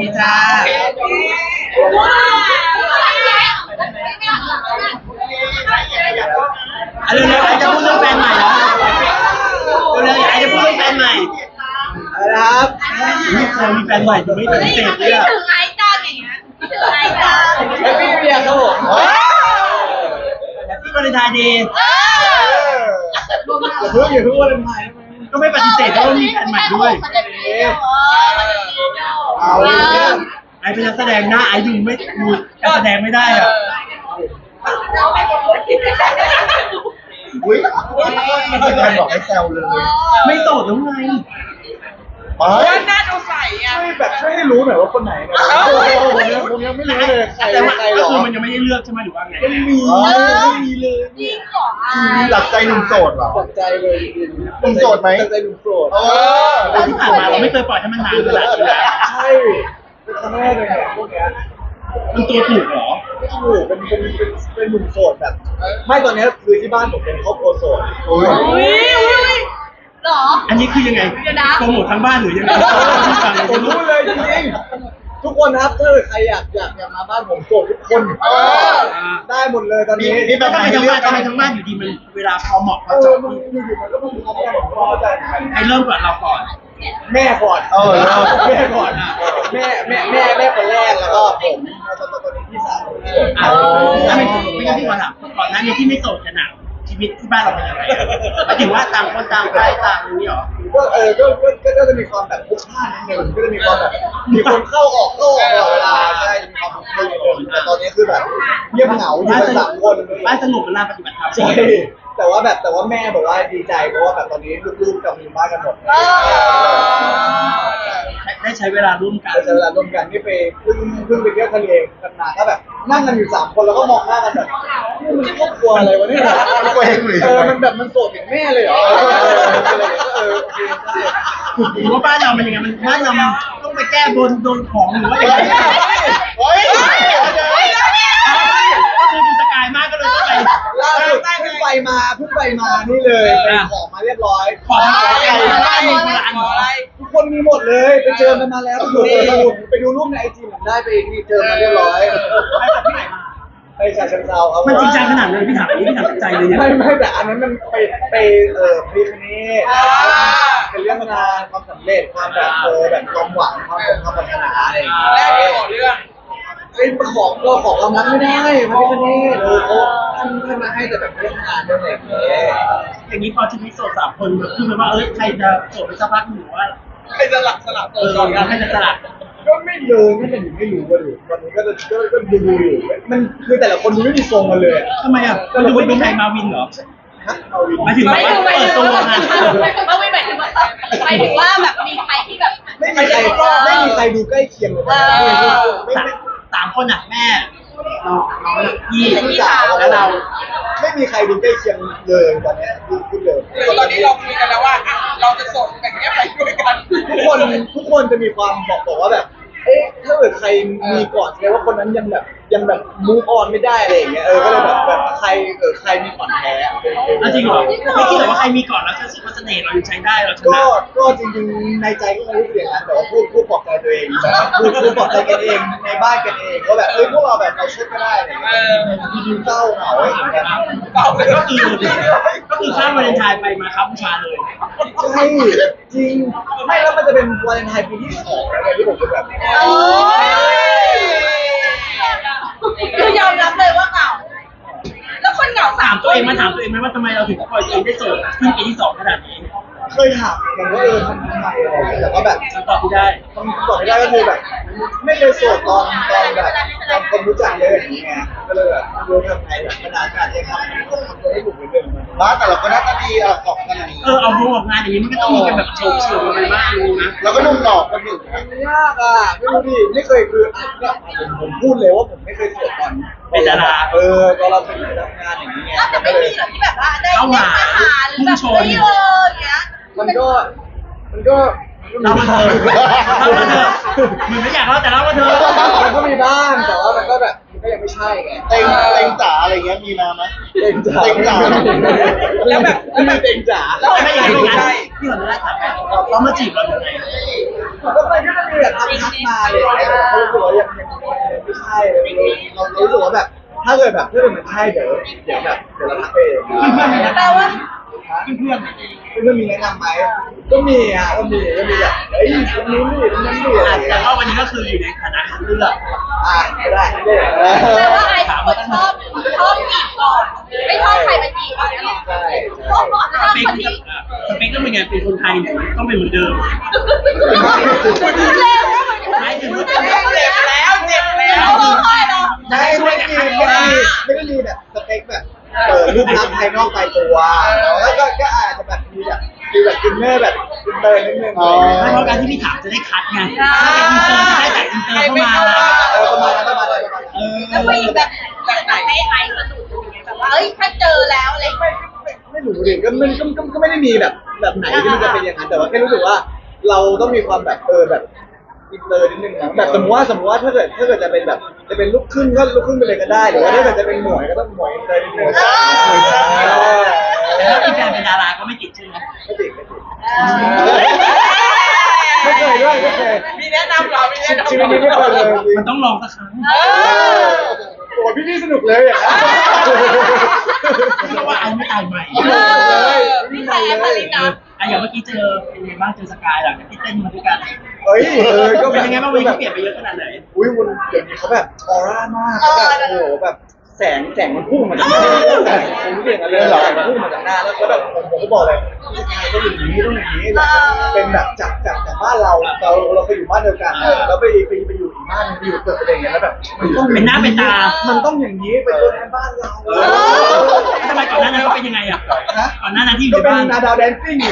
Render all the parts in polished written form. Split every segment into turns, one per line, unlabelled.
ดีจ้าเร็วๆอยากจะพูดเรื่องแฟนใหม่เหรอเร็วๆอยากจะพูดเรื่องแฟนใหม่
อะไรนะครับ
นี่เคยมีแฟนใหม่อยู่ไม่ปฏิเสธเลยอะ
ถึงไอจอนอย่างเงี้ยถึงไอจอน
แฮปปี้เบียร์ครับผม
แฮปปี้วาเลนไทน์เดย์
อย่าเพิ่งวาเลนไทน์
ก็ไม่ปฏิเสธว่ามีแฟนใหม่ด้วย
เอาเลย
ไอ้เป็นนักแสดงหน้าไอ้ดูไม่ดูการแสดงไม่ได้อ่ะ
อุ้ยไม่เคยบอกให้แซวเลย
ไม่โสดแล้วไง
หน้าดูใสอ่ะ
ช่วยให้รู้หน่อยว่าคนไหนนะผมยังไม่รู้เลยใคร
แต่ว่า
ใครหร
ก็
อ
คือมันยังไม่ได้เลือกใช่ไหมหรือว่าไง
ไม่มีเลย
จริงเหรอ
หลักใจหนุ่มโสดเหรอ
ตกใจเลย
หนุ่มโสดไหม
ตกใจหนุ่มโสด
แต่ที่ผ่านมาเราไม่เคยปล่อยให้มันนานขนาดนี้นะ
ใช่เป็นครั้งแรกเลยเนี่ยพวกเนี้ย
มันตัวถูกเหรอ
ไม่ถูกเป็นหนุ่มโสดแบบไม่ตอนนี้คือที่บ้านผมเป็นครอบครัวโสด
อุ้ยหรอ
อันนี้คือยังไง
เดี๋ยวนะ
โปรโมททั้งบ้านหรือยังไง
ผมรู้เลยจริงๆทุกคนนะครับถ้าใครอยากมาบ้านผมโสดทุกคนได้หมดเลยตอนนี้
นี่
แล้วทำไมทั้งบ้านทำไมทั้งบ้านอยู่ดีมันเวลาพอเหมาะพอเจาะ
มันอยู่ๆมันก็ต้องทำกันผมก็เข้าใจเหมือนกัน
ใครเริ่มก่อนเราก่อน
แม่ก่อน แม่ก่อนแม่คนแรกแล้วก็ผมแล้วตอนนี้พี่สาวที่เหลือ
ถ้าไม่งั้นพี่ขอถามก่อนหน้านี้ที่ไม่โสดกันหนักชีวิตที่บ้านเราเป็นยังไงหมายถึงว่าต่างคนต่างไปต่างอย่างนี้หรอ
ก็จะมีความแบบพลุกพล่านนิดนึงก็จะมีความแบบมีคนเข้าออกตลอดเวลาใช่มีความพลุกพล่านนิดนึงแต่ตอนนี้คือแบบเงียบเหงาอยู่กันสามคน
บ้านสงบเวลาปฏิบัติธรรม
ใช่แต่ว่าแม่บอกว่าดีใจเพราะว่าแบบตอนนี้ลูกๆกลับมาอยู่บ้านกันหมด
ได้ใช้เวลาร่วมกัน
ใช้เวลาร่วมกันนี่ไปเพิ่งไปเที่ยวทะเลกันมาก็แบบนั่งกันอยู่3 คนแล้วก็มองหน้ากันแบบนี่มันครอบครัวอะไรวะเนี่ยมันแบบมันโสดอย่างแม่เลยเหรอโอเคได้
หรือว่าบ้านเรามันยังไงมันบ้านเรามันต้องไปแก้บนโดนของหรือว่ายังไงคือดูสกายมากก็เลยต้องไป
ล่าสุดเพิ่งไปมานี่เลยไปขอมาเรียบร้อย
ขอทำอะไรบ้านมีโบราณเหรอ
ทุกคนมีหมดเลยไปเจอกันมาแล้วไปดูรูปในไอจีผมได้ไปนี่เจอมาเรียบร้อย
ไปจากที่ไหนมา
ไปฉะเชิงเทราครับ
มันจริงจังขนาดเลยพี่ถามใจเลยเนี่ย
ไม่แต่อันนั้นมันไปพรีคณีเป็นเรื่องงานความสำเร็จความแบบแบบความหวังความปรารถนาอะไรอย่างเงี้ย
แรกขอเรื่อง
เป็นของเราของเรานั้นไม่ได้พระพิฆเนศท่านมาให้แต่แบบเรื่องงานเรื่องอะไรอย่างเงี้ย
อย่างนี้พอชีวิตโสด3 คนคือหมายว่าใครจะโสดไปสักพักหรือว่า
ใครจะสลับ
ใครจะสลัด
ก็ไม่เลยไม่แต่ไม่รู้ว่าดิวันนี้ก็ดูอยู่มันคือแต่ละคนดูไม่มีทรงกันเลย
ทำไมอ่ะมันดูไม่มีใครมาวินเหรอ
เอาวิน
หมายถึงว่าเปิดตัวนะ
ไม่หมายถึงว่าแบบมีใครที่แบบ
ไม่มีใครดูใกล้เคียงเลยไม่
3 คนอ่ะแม่เราพี่
พี่สาว
แล้วเรา
ไม่มีใครดูใกล้เคียงเลยตอนนี้พูดเลย
คือตอนนี้เราคุยกันแล้วว่าเราจะส่งแบบนี้ไปด้วยกัน
ทุกคนจะมีความบอกว่าแบบถ้าเกิดใครมีก่อนแสดงว่าคนนั้นยังแบบมูฟออนไม่ได้อะไรอย่างเงี้ยก็เลยแบบใครมีก่อนแพ้
จริงเหรอไม่คิดเลยว่าใครมีก่อนแล้วจะรู้สึกว่าเสน่ห์เรายังใช้ได้เราชนะ
ก็จริงๆในใจก็ไม่รู้เสียงนั้นแต่ว่าพูดปลอบใจตัวเองพูดปลอบใจกันเองในบ้านกันเองว่าแบบพวกเราแบบเราช่วยก็ได้อะไรอย่างเงี้ยดูเศร้าเหงาอะไรอย่างเงี้ย
ก็คือข้ามวาเลนไทน์ไปมาครับบูชาเลย
ใช่จริงไม่แล้วมันจะเป็นวาเลนไทน์ปีที่2แล้วไงที่ผมจะแบบ
คือยอมรับเลยว่าเหงาแล้วคนเหงา
ถามตัวเองไหมว่าทำไมเราถึงปล่อยตัวเองได้โสดขึ้นปีที่ 2ขนาดนี้
เคยถามเหมือนกันว่าทำไมอะไรอย่างเงี้ยแต่ว่าแบบ
คำตอบที่ได้
ต้องตอบไม่ได้ก็คือแบบไม่เคยโสดตอนแบบตอนคนรู้จักเลยอย่างเงี้ยก็เลยแบบไม่รู้ทำไงแบบขนาดจะทำตัวให้ถูกเหมือนเดิม
บ้านแต่เราก็หน้าตาดีออกกันอย่างนี้
เอาพวกงานอย่างนี้มันก็ต้องมีกันแบบโชว์อะไรบ้างนะ
เราก็นุ่มหลอกกันอยู่นะ
ไม่ยากอ่ะไม่รู้ดิไม่เคยคือเนี่ยผมพูดเลยว่าผมไม่เคยโสดตอนตอนเราเป็นทำงานอย่างนี้ไง
แต่ไม่มีหรอกที่แบบว่าได้มาหาหรือแบบไม่อย่างเงี้ย
มันก็
เล่ามาเถอะเหมือนไม่อยากเล่าแต่เล่ามาเถอะ
มันก็มีบ้างแต่ว่ามันก็แบบมันก็ยังไม่ใช่ไง
เต็งจ๋าอะไรเงี้ยมีมาไหม
เต็งจ๋า
แล้วแบบ
ไม่เต็งจ๋า
แล้วไม่อยากรู้ไงพี่ขออนุญาตถามเขามาจีบเราอย่างไร
ก็มันก็จะมีแบบทักมาเลยไม่ใช่เรารู้สึกว่าแบบถ้าเกิดมันใช่เดี๋ยวเราทักไปเอง
แปลว่า
เพื่อน
เพื่อนมีแนะนำไหมก็มีแบบเฮ้ยตรงนู้นดิตรงนั้นดิอะไรอย่างเงี้
แต่
ย
ว่าวันนี้ก็คืออยู่ในฐานะคัดเลือก
ก็ได้
แปลว่าไอ้คนชอบจีบก่อนไม่ชอบใครมาจีบก่อนเนี่ยหรอ
ใช่
ชอบก่อนแล้ว
ส
ชอบ
เป
ค
คน
ที่
สเปคต้องเป็นไงเป็นคนไทยเนี่ยต้องเป็นเหมือนเดิม
เร็ว
ไม่ถึงว่า
เจ็บแล้วร้องไห้แล้ว
ไม่ได้มีแบบสเปคแบบรูปลักษณ์ภายนอกภายตัวแล้วก็อาจจะแบบมีแบบอินเนอร์แบบอินเตอร์นิดนึง
ไม่เพราะการที่พี่ถามจะได้คัดไงถ้าเป็นอินเตอร์จะได้แต่อินเตอร์เข้ามา
ประมาณนั้น
แล้วผู้หญิงแบบไหนให้ไอ้สะดุดอย่างเงี้ยแบบว่าเอ้ยถ้าเจอแล้วอะไร
ไม่รู้ดิก็ไม่ได้มีแบบไหนที่มันจะเป็นอย่างนั้นแต่ว่าแค่รู้สึกว่าเราต้องมีความแบบแบบอินเตอร์นิดนึงนะแบบสมมติว่าถ้าเกิดจะเป็นแบบจะเป็นลูกครึ่งก็ลูกครึ่งไปเลยก็ได้หรือว่าถ้าเกิดจะเป็นหมวยก็ต้องหมวยอินเตอร์นิดนึง
แต่ถ้ามีแฟนเป็นดาราก็ไม่ติดใช่ไหม
ไม่ติดไม่เคยด้วยไม่เคย
มีแนะนำเหรอมีแนะนำ
ชีวิตนี้ไม่เคยเลยจริง
มันต้องลองสักครั้ง
โอ้พี่สนุกเลยอย่างนั้น
เพราะว่าไอ้ไม่ตายใหม่
นี่ใครแอปมาลินนะ
อ่ะอย่างเมื่อกี้เจอเป็นไงบ้างเจอสกายหลังจากที่เต้นมาด้วยกัน
เฮ้ยก็
เป็นยังไงบ้างวันนี้เปลี่ยนไปเยอะขนาดไหน
อุ้ยวันเดี๋ยวนี้เขาแบบออร่ามากแบบโอ้โหแบบแสงมันพุ่งมาจากหน้าผมเรียกอะไรแสงมันพุ่งมาจากหน้าแล้วแบบผมก็บอกเลยผู้ชายต้องอย่างนี้เป็นแบบจากบ้านเราไปอยู่บ้านเดียวกันแล้วไปอยู่อีกบ้านไปอยู่เกิดอะไรอย่างเงี้ยแล้วแบบมันต้องอย่างนี้เป็นตัวแทนบ้านเรา
ทำไมก่อนหน้านั้นเขาเป็นยังไงอ่ะก่อนหน้านั้นที่อยู่
ก็
ใน
เป็น
บ้าน
นาดาวแดนซิ่งอยู่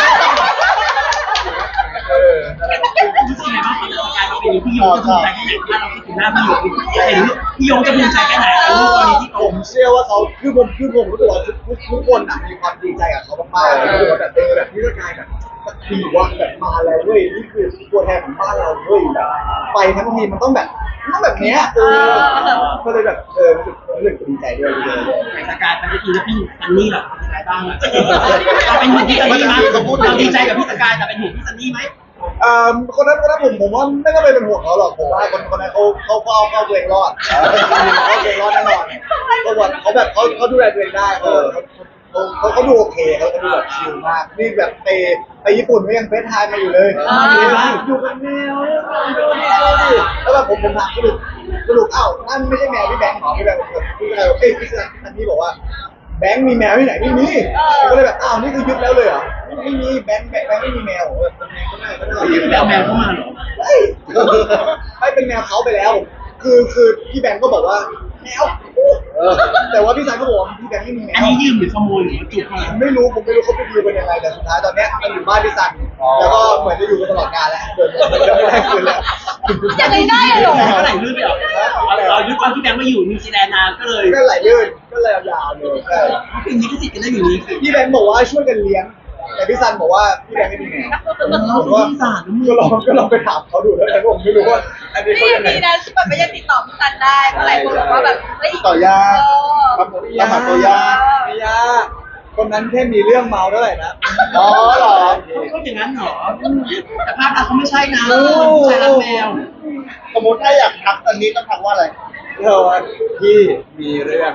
รู้สึกไงบ้างก่อนสกายมาเป็นพี่โยจะภูมิใจแค่ไหนถ้าเราคิดถึงหน้าพี่โยเห็นพี่โยจะภูมิใจแค่ไหนลูกตอนนี้ที่
ผมเชื่อว่าเขาคือผมรู้สึกว่าทุกคนมีความดีใจกับเขามากๆรู้สึกว่าแบบแบบที่ร่างกายแบบดีว่าแบบมาแล้วเว้ยนี่คือตัวแทนของบ้านเราเว้ยแบบไปทั้งทีมันต้องแบบเนี้ยก็เลยแบบรู้สึกดีใจด้วย
สกายไปที่แล้วพี่ซันนี่หรอสกายบ้างอ่ะเราเป็นห่วงพี่ซันนี่ไหมเราดีใจกับพี่สกายแต่เป็นห่วงพี่ซันนี่ไหม
คนนั้นผมว่าไม่ต้องไปเป็นห่วงเขาหรอกผมว่าคนนั้นเขาเอาตัวเองรอดเขาตัวเองรอดแน่นอนเขาแบบเขาดูแลตัวเองได้เขาดูโอเคเขาดูแบบชิลมากนี่แบบไปญี่ปุ่นก็ยังเฟซไทม์มาอยู่เลยอยู่กับแมวดูดิแล้วแบบผมถามสรุปนั่นไม่ใช่แมวพี่แบงค์หรอพี่แบงค์พี่อันนี้บอกว่าแบงค์มีแมวที่ไหนไม่มีก็เลยแบบนี่คือยึดแล้วเลยเหรอไม่มีแบงค์ไม่มีแมว
พี่แมวเข้ามาหรอ
ไม่เป็นแมวเขาไปแล้วคือพี่แบงค์ก็บอกว่าแมวแต่ว่าพี่ชายก็บอกว่าพี่แบงค์ไม่มีแมว
อันนี้ยืมหรือขโมยหรือจุกมา
ผมไม่รู้เขาไปดีลกันยังไงแต่สุดท้ายตอนเนี้ยมันอยู่บ้านพี่ซันแล้วก็เหมือนจะอยู่กันตลอดกาลแล้วเดินไม่ได้คืนแล้ว
จะเลยได้เหรอ
ก็ไหลลื่นไปหรอเราด้วยความที่แบงค์มาอยู่นิวซีแลนด์นานก็เลย
ก็ไหลลื่นก็เลยยาวเลยใช่
เป็นนี้ก็ติดกันได้อย่างนี้
พี่แบงค์บอกว่าช่วยกันเลี้ยงแต่พี่ซันบอกว่าพี่แบงค์ไม่มีแมวผมว่าก็ลองไปถามเขาดูแล้วแต่ผมไม่รู้ว่าอันนี้เขา
นี่
ยังไง
ดีนะที่แบบไม่ยังติดต่อพี่ซันได้เพราะหลายคนบอกว่าแบบเฮ้ย
ต่อยากครับผมยากตัวยากไม่ยากคนนั้นแค่มีเรื่องเมาเท่าไหร่นะอ๋อเหรอ
ก็อย่างนั้นเหรอแต่ภาพลักษณ์เขาไม่ใช่นะผู้ชายรักแมว
สมมติถ้าอยากทักตอนนี้ต้องทักว่าอะไร
พี่มีเรื่อง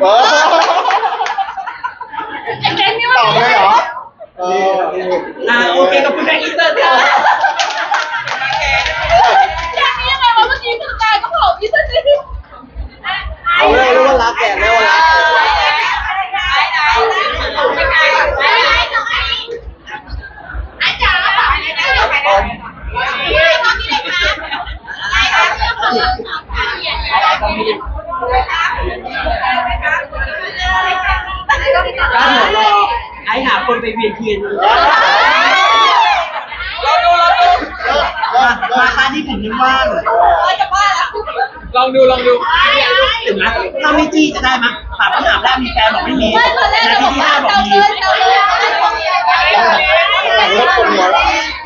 ไอ้แก๊งนี่มัน
ตอบได้เหรอ
โอเคกับคุณแบงค์อินเตอร์ค่ะ
แก๊งนี้ยังไงวะเมื่อกี้คือกายก็บอกพี่ซันนี่
เอาเลยรู้ว่ารักแกแล้วรัก
ก็เดี๋ยวรอไอ้หาคนไปเวียนเทียนมาค่าที่ผมยังว่าง
จะบ้าแล้ว
ลองดู
เห็นไหมถ้าไม่จี้จะได้ไหมถามคำถามแรกมีแฟนบอกไม่มี
ไม่ตอนแรก
นา
เรา
ที
บอก
ที่
ว่า
5บอกมี
เราเกิน
รถคนหัวละ